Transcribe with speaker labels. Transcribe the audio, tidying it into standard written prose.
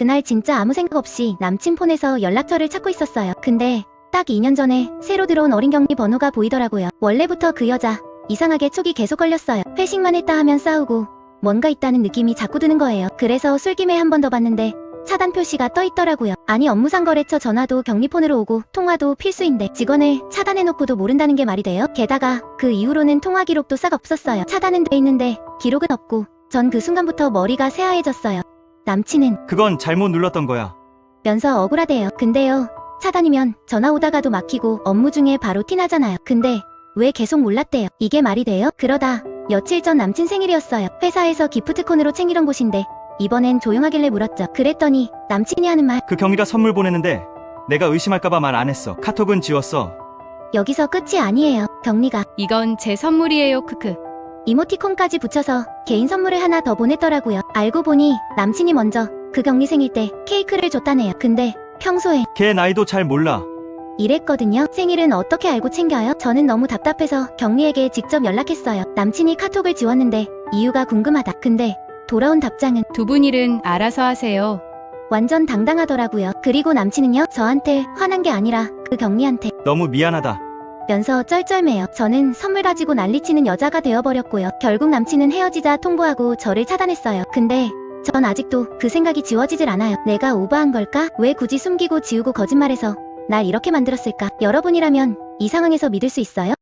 Speaker 1: 그날 진짜 아무 생각 없이 남친 폰에서 연락처를 찾고 있었어요. 근데 딱 2년 전에 새로 들어온 어린 경리 번호가 보이더라고요. 원래부터 그 여자 이상하게 촉이 계속 걸렸어요. 회식만 했다 하면 싸우고 뭔가 있다는 느낌이 자꾸 드는 거예요. 그래서 술김에 한 번 더 봤는데 차단 표시가 떠 있더라고요. 아니 업무상 거래처 전화도 격리폰으로 오고 통화도 필수인데 직원을 차단해놓고도 모른다는 게 말이 돼요? 게다가 그 이후로는 통화 기록도 싹 없었어요. 차단은 돼 있는데 기록은 없고 전 그 순간부터 머리가 새하얘졌어요. 남친은
Speaker 2: 그건 잘못 눌렀던 거야.
Speaker 1: 면서 억울하대요. 근데요, 차단이면 전화 오다가도 막히고 업무 중에 바로 티나잖아요. 근데 왜 계속 몰랐대요? 이게 말이 돼요? 그러다 며칠 전 남친 생일이었어요. 회사에서 기프트콘으로 챙기던 곳인데 이번엔 조용하길래 물었죠. 그랬더니 남친이 하는 말,
Speaker 2: 그 경리가 선물 보내는데 내가 의심할까봐 말 안 했어. 카톡은 지웠어.
Speaker 1: 여기서 끝이 아니에요. 경리가
Speaker 3: 이건 제 선물이에요. 크크.
Speaker 1: 이모티콘까지 붙여서 개인 선물을 하나 더 보냈더라고요. 알고 보니 남친이 먼저 그 경리 생일 때 케이크를 줬다네요. 근데 평소에
Speaker 2: 걔 나이도 잘 몰라.
Speaker 1: 이랬거든요. 생일은 어떻게 알고 챙겨요? 저는 너무 답답해서 경리에게 직접 연락했어요. 남친이 카톡을 지웠는데 이유가 궁금하다. 근데 돌아온 답장은
Speaker 3: 두 분 일은 알아서 하세요.
Speaker 1: 완전 당당하더라고요. 그리고 남친은요, 저한테 화난 게 아니라 그 경리한테
Speaker 2: 너무 미안하다.
Speaker 1: 면서 쩔쩔매요. 저는 선물 가지고 난리치는 여자가 되어버렸고요. 결국 남친은 헤어지자 통보하고 저를 차단했어요. 근데 전 아직도 그 생각이 지워지질 않아요. 내가 오버한 걸까? 왜 굳이 숨기고 지우고 거짓말해서 날 이렇게 만들었을까? 여러분이라면 이 상황에서 믿을 수 있어요?